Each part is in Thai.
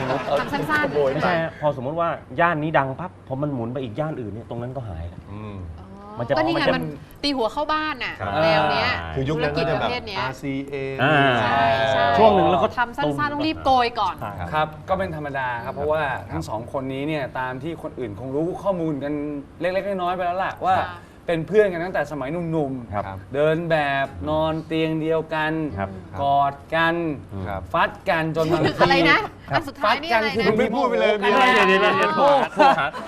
ทำสั้นๆไม่ใช่พอสมมติว่าย่านนี้ดังปั๊บพอมันหมุนไปอีกย่านอื่นเนี่ยตรงนั้นก็หายแล้วมันจะก็นี่ไงมันจะมันตีหัวเข้าบ้านน่ะครับแนวเนี้ยคือยุคนั้นก็จะแบบธุรกิจประเภทเนี้ย RCA ใช่ใช่ช่วงหนึ่งแล้วก็ทำสั้นๆต้องรีบโกยก่อนครับก็เป็นธรรมดาครับเพราะว่าทั้งสองคนนี้เนี่ยตามที่คนอื่นคงรู้ข้อมูลกันเล็กๆน้อยๆไปแล้วล่ะว่าค่ะเป็นเพื่อนกันตั้งแต่สมัยหนุ่มครับๆเดินแบบนอนเตียงเดียวกันครับกอดกันครับฟัดกันจนบางทีอะไรนะอันสุดท้าฟัยดนี่กัอะไรคือนะไม่พูดไปเลยมีอะไรเดี๋ยวโทรหา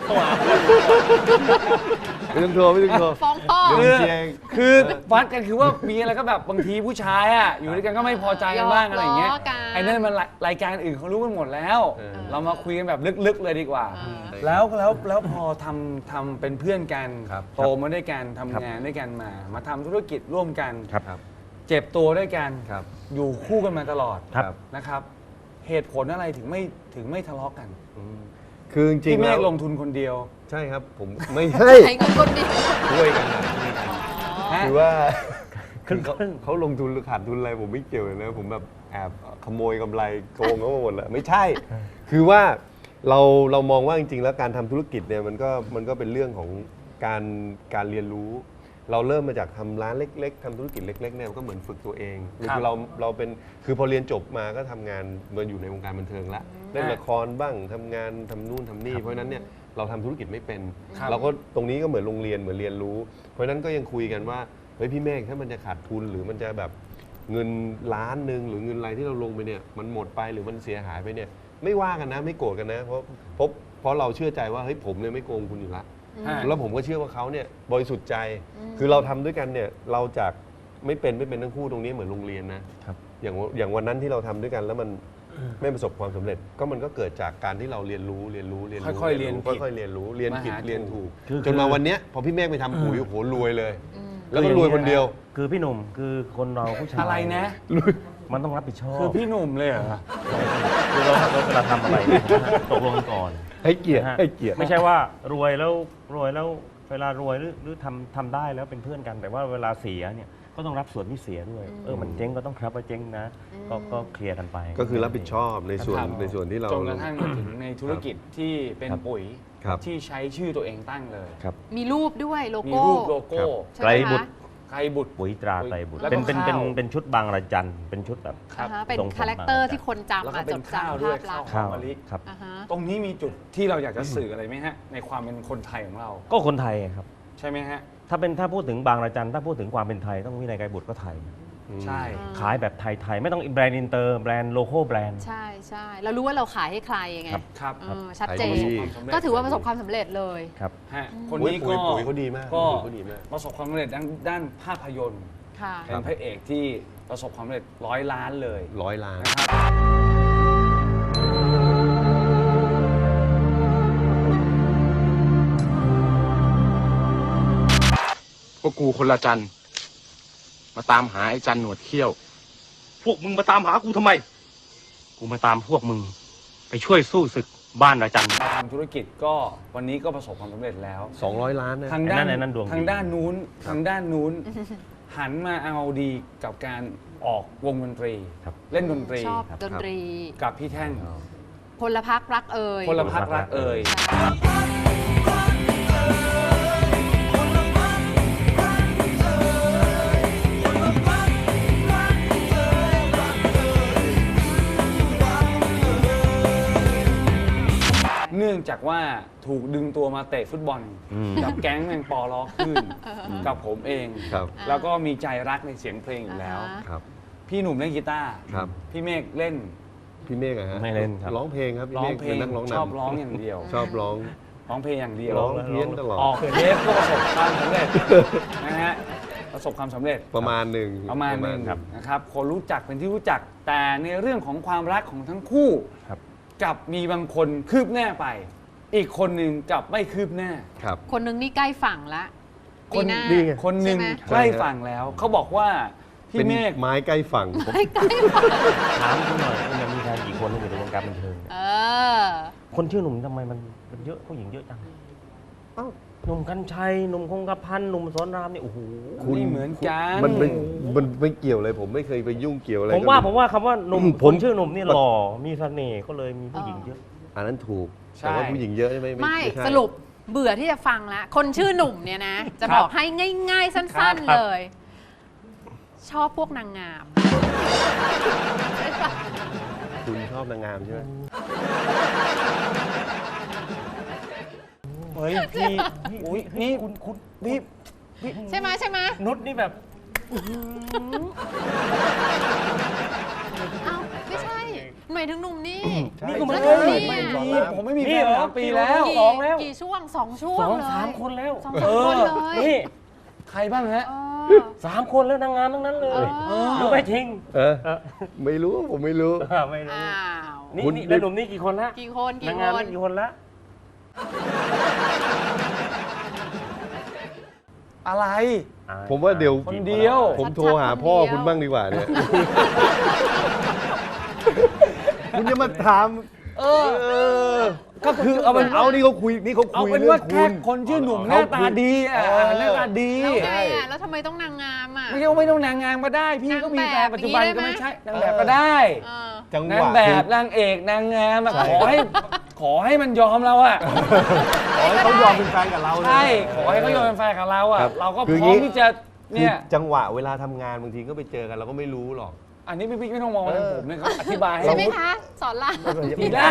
ไม่ต้องโทรไม่ต้องโทรฟ้องพ่อเดี๋ยวคือฟัดกันคือว่ามีอะไรก็แบบบางทีผู้ชายอ่ะอยู่ด้วยกันก็ไม่พอใจกันบ้างอะไรอย่างเงี้ยล้อกันไอ้นั่นมันรายการอื่นเขารู้กันหมดแล้ว เรามาคุยกันแบบลึกๆเลยดีกว่า แล้วพอทำเป็นเพื่อนกันครับโตมาด้วยกันทำงานด้วยกันมาทำธุรกิจร่วมกันครับเจ็บตัวด้วยกันครับอยู่คู่กันมาตลอดครับนะครับ เหตุผลอะไรถึงไม่ทะเลาะกันคือจริงพี่ๆเมแล้วฆลงทุนคนเดียวใช่ครับผมไม่ใช่ใช้เงินคนเดียวช่วยกันนะฮะคือว่าครึ่งเขาลงทุนหรือขาดทุนอะไรผมไม่เกี่ยวเลยนะผมแบบแอบขโมยกำไรโกงเขามาหมดเลยไม่ใช่ คือว่าเรามองว่าจริงๆแล้วการทำธุรกิจเนี่ยมันก็เป็นเรื่องของการเรียนรู้ เราเริ่มมาจากทำร้านเล็กๆทำธุรกิจเล็กๆเนี่ยมันก็เหมือนฝึกตัวเองครับคือเราเป็นคือพอเรียนจบมาก็ทำงานมาอยู่ในวงการบันเทิงละเล่นละครบ้างทำงานทำนู่นทำนี่เพราะฉะนั้นเนี่ยเราทำธุรกิจไม่เป็นครับเราก็ตรงนี้ก็เหมือนโรงเรียนเหมือนเรียนรู้ เพราะฉะนั้นก็ยังคุยกันว่าเฮ้ยพี่เมฆถ้ามันจะขาดทุนหรือมันจะแบบเงินล้านหนึ่งหรือเงินอะไรที่เราลงไปเนี่ยมันหมดไปหรือมันเสียหายไปเนี่ยไม่ว่ากันนะไม่โกรธกันนะเพราะเราเชื่อใจว่าเฮ้ยผมเนี่ยไม่โกงคุณอยู่ละฮะแล้วผมก็เชื่อว่าเขาเนี่ยบริสุทธิ์ใจ คือเราทำด้วยกันเนี่ยเราจากไม่เป็นทั้งคู่ตรงนี้เหมือนโรงเรียนนะครับ อย่างวันนั้นที่เราทำด้วยกันแล้วมันไม่ประสบความสำเร็จก็มันก็เกิดจากการที่เราเรียนรู้ค่อยๆเรียนผิดค่อยๆเรียนรู้เรียนผิดมาหาเรียนถูกคือจนมาวันเนี้ยพอพี่เมฆไปทำปุ๋ยโอ้โหรวยเลย แล้วก็รวยคนเดียวคือพี่หนุ่มคือคนเราผู้ชายอะไรนะมันต้องรับผิดชอบคือพี่หนุ่มเลยเหรอคือเราเวลาทำอะไรเนี่ยตกลงกันก่อนให้เกียรตินะฮะให้เกียรติไม่ใช่ว่ารวยแล้วเวลารวยหรือทำได้แล้วเป็นเพื่อนกัน แต่ว่าเวลาเสียเนี่ยก็ต้องรับส่วนที่เสียด้วยมันเจ๊งก็ต้องรับว่าเจ๊งนะก็เคลียร์กันไปก็คือรับผิดชอบในส่วนครับในส่วนที่เราจนกระทั่งมาถึงในธุรกิจที่เป็นครับปุ๋ยครับที่ใช้ชื่อตัวเองตั้งเลยครับมีรูปด้วยโลมีโก้รูปโลโก้ใช่ไหมไกรบุตคะรไกรบุตรปุ๋ยตราไตรบุตรแล้วก็เป็นข้าวเป็นชุดบางระจันเป็นชุดแบบครับอ่าฮะเป็นทรงผมคาแรคเตอร์บางระจันที่คนจำแล้วก็อ่ะเป็จนดข้าวจำด้วยภาพลักษณ์ข้าว มะลิครับอ่าฮะตรงนี้มีจุดที่เราอยากจะสื่ออะไรไหมฮะ ในความเป็นคนไทยของเราก็คนไทยครับใช่ไหมฮะถ้าพูดถึงบางระจันถ้าพูดถึงความเป็นไทยต้องวินัยไกรบุตรก็ไทยใช่ขายแบบไทยๆไม่ต้องแบรนด์อินเตอร์แบรนด์โลโก้แบรนด์ใช่ใช่เรารู้ว่าเราขายให้ใครยังไงครับครับชัดเจนขายดีก็ถือว่าประสบความสำเร็จเลยครับฮะอืมคนนี้ก็ปุ๋ยเขาดีมากก็ปุ๋ยเขาดีมากประสบความสำเร็จด้านภาพยนตร์ค่ะเป็นพระเอกที่ประสบความสำเร็จ100 ล้านเลย 100 ล้านนะครับพวกกูคนละจันทร์มาตามหาไอ้จันหนวดเขี้ยวพวกมึงมาตามหากูทำไม กูมาตามพวกมึง ไปช่วยสู้ศึกบ้านระจันมาทำธุรกิจก็วันนี้ก็ประสบความสำเร็จแล้ว 200 ล้านนะทางด้านไอ้นั่นดวงดีทางด้านนู้นหันมาเอาดีกับการออกวงดนตรีครับเล่นดนตรีชอบดนตรีกับพี่แท่งพลพักรักเอ่ยพลพักรักเอ่ย เนื่องจากว่าถูกดึงตัวมาเตะฟุตบอล กับแก๊งแมงปอล้อขึ้นกับผมเองครับแล้วก็มีใจรักในเสียงเพลงอยู่แล้วครับพี่หนุ่มเล่นกีตาร์ครับพี่เมฆเล่นพี่เมฆอะฮะไม่เล่นครับร้องเพลงครับพี่ร้อเมงฆเพลป็งนนักร้องนำชอบร้องอย่างเดียวชอบร้องร้องเพลงอย่างเดียวร้องเพี้ยนตลอดออกเทปก็ประสบความสำเร็จนะฮะประสบความสำเร็จประมาณหนึ่งประมาณหนึ่งครับนะครับคนรู้จักเป็นที่รู้จักแต่ในเรื่องของความรักของทั้งคู่ครับกับมีบางคนคืบหน้าไป อีกคนหนึ่งกับไม่คืบหน้าครับคนหนึงนี่ใกล้ฝั่งละคปีนหน้านี่ไงคนหนึ่งใช่ไหมใกล้ฝั่งแล้ว เขาบอกว่าพี่เป็นเมฆไม้ใกล้ฝั่งใกล้ฝั่งถามคุณหน่อยมันมีแฟนกี่คนที่อยู่ในวงการบันเทิงเนี่ยเออคนชื่อหนุ่มทำไมมันเยอะผู้หญิงเยอะจังอ้าวหนุ่มกัญชัยหนุ่มคงกระพันหนุ่มสอนรามเนี่ยโอ้โหนี่เหมือนกันมันไม่เกี่ยวเลยผมไม่เคยไปยุ่งเกี่ยวอะไรผมว่าคำว่าหนุ่มผมคนชื่อหนุ่มนี่หล่อมีเสน่ห์ก็เลยมีผู้หญิงเยอะอันนั้นถูกใช่แต่ว่าผู้หญิงเยอะไม่ไม่ใช่สรุปเบื่อที่จะฟังแล้ว คนชื่อหนุ่มเนี่ยนะ จะครับบอกให้ง่าย ๆ สั้นครับๆเลย ชอบพวกนางงามคุณชอบนางงามใช่ไหมเฮ้ยพี่อุ้ยนี่คุณพี่ใช่ไหมใช่ไหมนุชนี่แบบเอ้าไม่ใช่หมายถึงหนุ่มนี่นี่ก็แล้ไม่วใช่หนุ่มนี่ไม่มีผมไม่มีแฟนี่นเหรอ 3 ปีแล้วสองแล้วกี่ช่วง2 ช่วงสองเลยสามคนแล้ว 2-3 คนเลยนี่ใครบ้างฮะเออ 3 คนแล้วนางงามทั้งนั้นเลยเออรู้ไหมจริงเออเออไม่รู้ผมไม่รู้ไม่รู้อ้าวนี่คุณนี่แล้วหนุ่มนี่กี่คนละกี่คนกี่นางคงามนนี่กี่คนละอะไรผมว่าเดี๋ยวคนเดียวผมโทรหาพ่อคุณบ้างดีกว่าเนี่ย คุณจะมาถามเออ ก็คือเอาเป็นเอานี่เขาคุยนี่เขาเอาคุยเป็นเรื่อว่าง แค่คุณคนชื่อหนุ่มหน้าตาดีอ่ะหน้าตาดีแล้วไงอ่ะแล้วทำไมต้องนางงามอ่ะไม่ใช่ว่าไม่ต้องนางงามก็ได้ พี่ก็มีแฟนปัจจุบันก็ไม่ใช่นางแบบก็ได้เออจังหนางวะแบบนางเอกนางงามอะขอให้มันยอมเราอ่ะขอให้เขายอมเป็นแฟนกับเราเลยใช่ขอให้เขายอมเป็นแฟนกับเราอ่ะครับเราก็พคือร้อมงี้ที่จะคือเนี่ยจังหวะเวลาทำงานบางทีก็ไปเจอกันเราก็ไม่รู้หรอกอันนี้พี่ไม่ต้องมองว่าเป็นผมเนี่ยเขาอธิบายให้ใช่เราไหมคะ สอนรามพี่ได้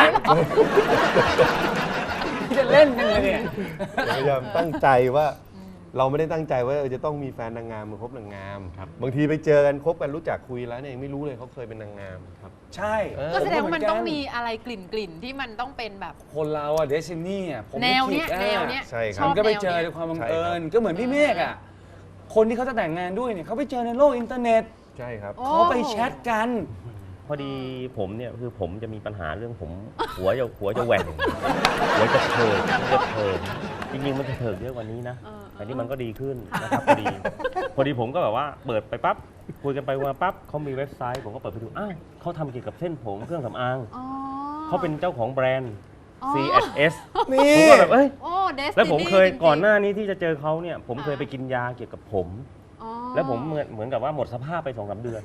พี่จะเล่นกันเลยเนี่ยพยายามตั้งใจว่าเราไม่ได้ตั้งใจว่าจะต้องมีแฟนนางงามมาคบนางงามบางทีไปเจอกันคบกันรู้จักคุยแล้วเนี่ยยังไม่รู้เลยเขาเคยเป็นนางงามครับใช่ก็แสดงว่ามันต้องมีอะไรกลิ่นที่มันต้องเป็นแบบคนเราอะเดซินี่อะผมแนวเนี้ยไม่แนคิดวอะเนี้ยใช่ครับชอบมันก็ไปแนวเจอนี้ยในความบังใช่เอิญครับก็เหมือนพี่เมฆอะคนที่เขาจะแต่งงานด้วยเนี่ยเขาไปเจอในโลกอินเทอร์เน็ตใช่ครับโอ้เขาไปแชทกันพอดีผมเนี่ยคือผมจะมีปัญหาเรื่องผม หัวจะแหว่งหัวจะเถิกจริงๆมันจะเถิกเยอะกว่านี้นะแต่นี่มันก็ดีขึ้นนะครับพอดีผมก็แบบว่าเปิดไปปั๊บคุยกันไปมาปั๊บเขามีเว็บไซต์ผมก็เปิดไปดูอ้าวเขาทำเกี่ยวกับเส้นผมเครื่องสำอางอ๋อเขาเป็นเจ้าของแบรนด์อ๋อ C&S นี่ผมก็แบบเอ้ยโอ้เดสแล้วผมเคยก่อนหน้านี้ที่จะเจอเขาเนี่ยผมเคยไปกินยาเกี่ยวกับผม แล้วผมเหมือนกับว่าหมดสภาพไป2-3 เดือน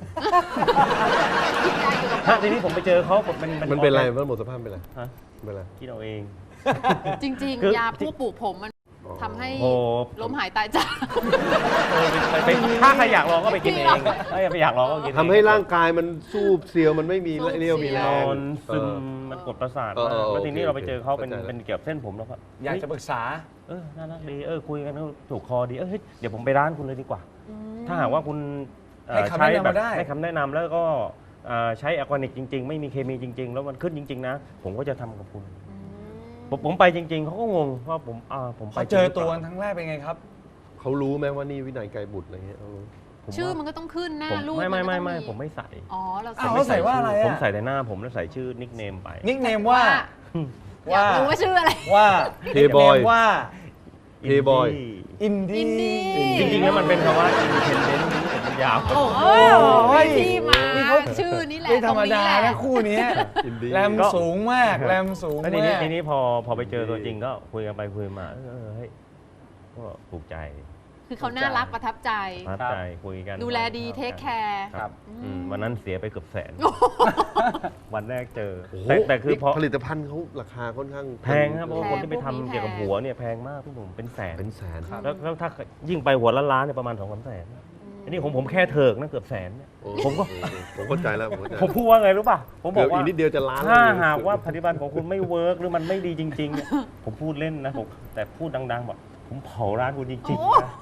ฮะทีนี้ผมไปเจอเขาผมมันเป็นอะไรมันหมดสภาพเป็นอะไรฮะเป็นอะไรคิดเอาเองจริงคือๆ ยาพวกปลูกผมมันทำให้โอ้ล้มหายตายจากไปถ้าใครอยากลองก็ไปกินเองถ้าอยากลองก็กินเองทำให้ร่างกายมันสู้เซียวมันไม่มีเรี่ยวมีแรนอง นซึมมันกดประสาทเออมากแล้วทีนี้โอเคเราไปเจอเขาเป็นเข้าใจแล้วเป็นเกี่ยวกับเส้นผมแล้วก็อยากจะปรึกษาน่ารักดีคุยกันแล้วถูกคอดีเฮ้ยเดี๋ยวผมไปร้านคุณเลยดีกว่า ถ้าหากว่าคุณให้คำแนะนำมาได้ให้คำแนะนำแล้วก็ใช้ออร์แกนิกจริง ๆ ไม่มีเคมีจริง ๆ แล้วมันขึ้นจริง ๆ นะ ผมก็จะทำกับคุณ ผมไปจริง ๆเขาก็งงว่าผมไปพอเจอตัวกันครั้งแรกเป็นไงครับเขารู้ไหมว่านี่วินัยไกรบุตรอะไรเงี้ยเขารู้ชื่อมันก็ต้องขึ้นหน้าผมรูปไม่นก็ต้องผมไม่ใส่อ๋อเราอ้าวแล้วใส่ว่าอะไรอะผมใส่แต่หน้าผมแล้วใส่ชื่อนิกเนมไปนิกเนมว่าอยากรู้ว่าชื่ออะไรว่า Playboy ว่า Playboy อินดี้จริงๆแล้วมันเป็นคำว่า independent มันยาวโอ้โหที่มาชื่อนี่แหละไม่ธรรมดาตงนี้แหนะละคู่เนี้ยอินดี้แรมสูงมากแรมสูงแล้วมากทีนี้พอไปเจอตัวจริงก็คุยกันไปคุยมาเฮ้ยก็ถูกใจคือเขาน่ารักประทับใจประทับใจคุยกันดูแลดีเทคแคร์ครับวันนั้นเสียไปเกือบแสนโอ้โหวันแรกเจอโอ้โหแต่คือพอผลิตภัณฑ์เขาราคาค่อนข้างแพงครับเพราะว่าคนที่ไปทำเกี่ยวกับหัวเนี่ยแพงมากพี่หนุ่มเป็นแสนเป็นแสนแล้วถ้ายิ่งไปหัวล้านๆเนี่ยประมาณ2-3 แสนอันนี้ผมแค่เถิกนะเกือบแสนเนี่ยโอ้ผมก็ผมเข้าใจแล้วผมเข้าใจผมพูดว่าไงรู้ป่ะผมบเกืออบกอีว่ากนิดเดียวจะล้านถ้าแล้วหากว่าปฏิบัติของคุณไม่เวิร์กหรือมันไม่ดีจริงๆเนี่ยผมพูดเล่นนะผมแต่พูดดังๆบอกผมเผาร้านคุณจริงๆนะ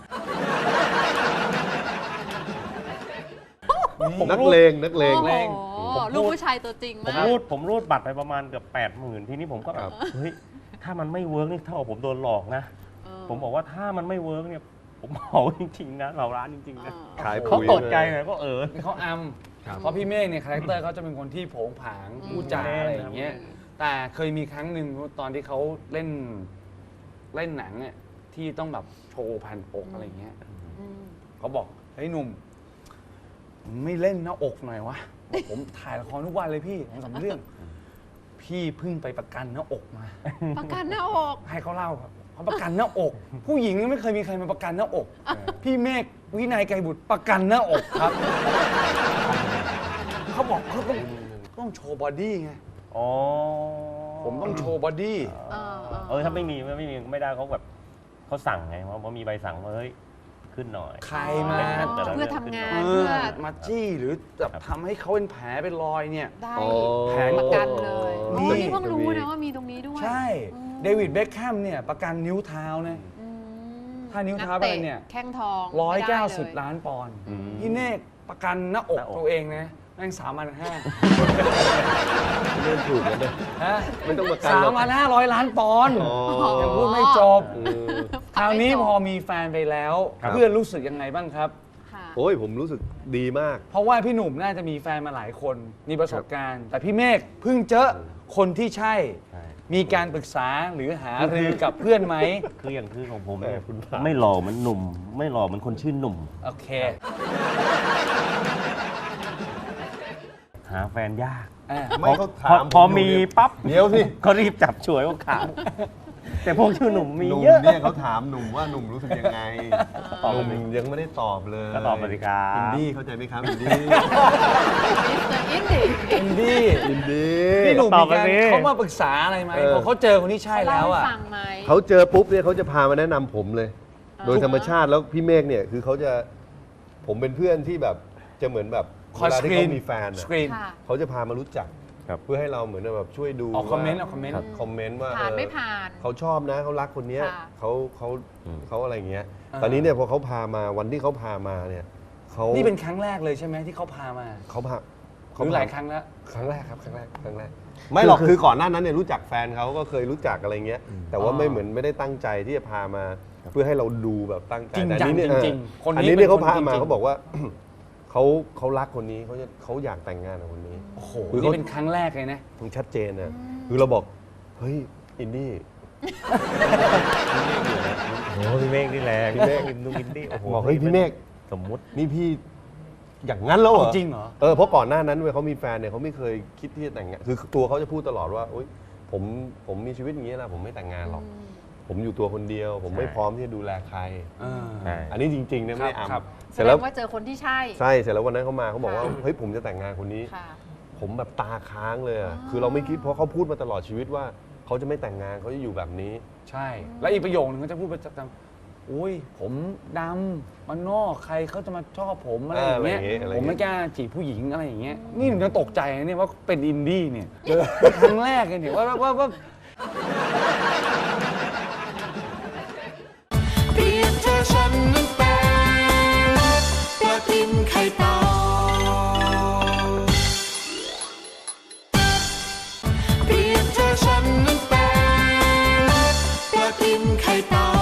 นักเลงนักเลงโอ้โหลูกผู้ชายตัวจริงผมมากรูดบัตรไปประมาณเกือบ80,000ทีนี้ผมก็แบบเฮ้ยถ้ามันไม่เวิร์กนี่เท่ากับผมโดนหลอกนะ ผมบอกว่าถ้ามันไม่เวิร์กเนี่ยผมเผาจริงๆนะเผาร้านจริงๆนะขายเขาปุ๋ยตกใจไงก็นี่เขาเพราะพี่เมฆเนี่ยคาแรคเตอร์เขาจะเป็นคนที่โผงผางพูดจาอะไรอย่างเงี้ยแต่เคยมีครั้งหนึ่งตอนที่เขาเล่นหนังเนี่ยที่ต้องแบบโชว์แผ่นอกอะไรอย่างเงี้ยเขาบอกเฮ้ยหนุ่มไม่เล่นหน้าอกหน่อยวะบอกผมถ่ายละครทุกวันเลยพี่2-3 เรื่อง พี่เพิ่งไปประกันหน้าอกมาประกันหน้าอกให้เขาเล่าครับเขาเขาประกันหน้าอก ผู้หญิงไม่เคยมีใครมาประกันหน้าอก พี่เมฆวินัยไกรบุตรประกันหน้าอกครับ เขาบอกเขาต้องโชว์บอดี้ไงอ๋อผมต้องโชว์บอดี้ถ้าไม่มีไม่ได้เขาแบบเขาสั่งไงเพราะมีใบสั่งว่าเฮ้ยขึ้นหน่อยใครมาเพื่อทำงานเออมาจี้หรือแบบทำให้เขาเป็นแผลเป็นรอยเนี่ยได้แผนประกันเลยนี่นี่เพิ่งรู้นะว่ามีตรงนี้ด้วยใช่อืมเดวิดเบคแฮมเนี่ยประกันนิ้วเท้านะอืมถ้านิ้วเท้าไปเนี่ยกตะแข้งทองไม่ได้เลย 190 ล้านปอนด์อืมพี่เนกประกันหน้าอกหน้าอกตัวเองนะแม่ง3,500 เรื่องถูกแล้วเนี่ยฮะไม่ต้องประกันหรอก 3,500 ล้านปอนด์อ๋อยังพูดไม่จบเออคราวนี้พอมีแฟนไปแล้วครับเพื่อนรู้สึกยังไงบ้างครับค่ะโอ้ยผมรู้สึกดีมากเพราะว่าพี่หนุ่มน่าจะมีแฟนมาหลายคนมีประสบการณ์ แต่พี่เมฆเพิ่งเจอคนที่ใช่ใช่มีการปรึกษาหรือหารือกับเพื่อนไหมคืออย่างคือของผมเนี่ยคุณพระไม่หล่อเหมือนหนุ่ม ไม่หล่อเหมือนคนชื่อหนุ่มโอเคหาแฟนยากไม่เขาถามพอผมอยู่มีเนี่ยปั๊บเดี๋ยวสิก็รีบจับฉวยโอกาสแต่พวกชื่อหนุ่มมีหนุ่มเยอะเนี่ยเขาถามหนุ่มว่าหนุ่มรู้สึกยังไงตอบหมานุ่มสิยังไม่ได้ตอบเลยก็ตอบมาสิครับอินดี้เข้าใจไหมครับอินดี้มิสเตอร์อินดี้อินดี้อินดี้พี่หนุ่มตอมีบมาการสิเขามาปรึกษาอะไรไหมเออพอเขาเจอคนที่ใช่แล้วอ่ะฟังไหมเขาเจอปุ๊บเนี่ยเขาจะพามาแนะนำผมเลย โดยธรรมชาติแล้วพี่เมฆเนี่ยคือเขาจะผมเป็นเพื่อนที่แบบจะเหมือนแบบคอยเวลาสที่กรีนเขามีแฟนสอะกรีนค่ะเขาจะพามารู้จักครับเพื่อให้เราเหมือนแบบช่วยดูออกคอมเมนต์ว่าออกคอมเมนต์ครับคอมเมนต์ว่าผ่านเออไม่ผ่านเขาชอบนะเขารักคนเนี้ยค่ะเขาอะไรอย่างเงี้ยอ่าตอนนี้เนี่ยพอเขาพามาวันที่เขาพามาเนี่ยเขานี่เป็นครั้งแรกเลยใช่ไหมที่เขาพามาเขาพาหรือหลายครั้งแล้วครั้งแรกครับครั้งแรกไม่หรอกคือก่อนหน้านั้นเนี่ยรู้จักแฟนเขาก็เคยรู้จักอะไรเงี้ยแต่ว่าไม่ได้ตั้งใจที่จะพามาเพื่อให้เราดูแบบตั้งใจจริงแต่จังอันนี้เนี่ยจริงๆคนนี้อันนี้เนี่ยเป็นเขาพาคนมาจริงๆเขาบอกว่า เขารักคนนี้เขาอยากแต่งงานกับคนนี้โอ้โหคือนี่เขาเป็นครั้งแรกเลยนะมันชัดเจนนะคือเราบอกเฮ้ยอินดี้โอ้พี่เมฆนี่แหละพี่เมฆนุ้งอินดี้โอ้โหบอกเฮ้ยพี่เมฆสมมุตินี่พี่อย่างนั้นแล้วเหรอจริงเหรอเพราะก่อนหน้านั้นเว้ยเขามีแฟนเนี่ยเขาไม่เคยคิดที่จะแต่งงานคือตัวเขาจะพูดตลอดว่าโอ๊ยผมมีชีวิตอย่างนี้นะผมไม่แต่งงานหรอก ผมอยู่ตัวคนเดียว ผมไม่พร้อมที่จะดูแลใครใช่อันนี้จริงๆนะไม่ได้ครับอำแสเสร็จดแล้วงว่าเจอคนที่ใช่ใช่เสร็จแล้ววันนั้นเขามาเขาบอกว่าค่ะเฮ้ยผมจะแต่งงานคนนี้ค่ะผมแบบตาค้างเลยอะคือเราไม่คิดเพราะเขาพูดมาตลอดชีวิตว่าเขาจะไม่แต่งงานเขาจะอยู่แบบนี้ใช่ แล้วอีกประโยคนึงก็จะพูดประจำอุ้ยผมดำมันนอกใครเขาจะมาชอบผมอะไรอย่างเงี้ยอะไรอย่างเงี้ยผมไม่กล้าจีบผู้หญิงอะไรอย่างเงี้ยนี่ผมยังตกใจนะเนี่ยว่าเป็นอินดี้เนี่ยครั้งแรกเลยเนี่ยว่าเปรียบเธอฉันนั้นเป็นปลาตินไข่เต่าเปรียบเธอฉันนั้นเป็นปลาตินไข่เต่า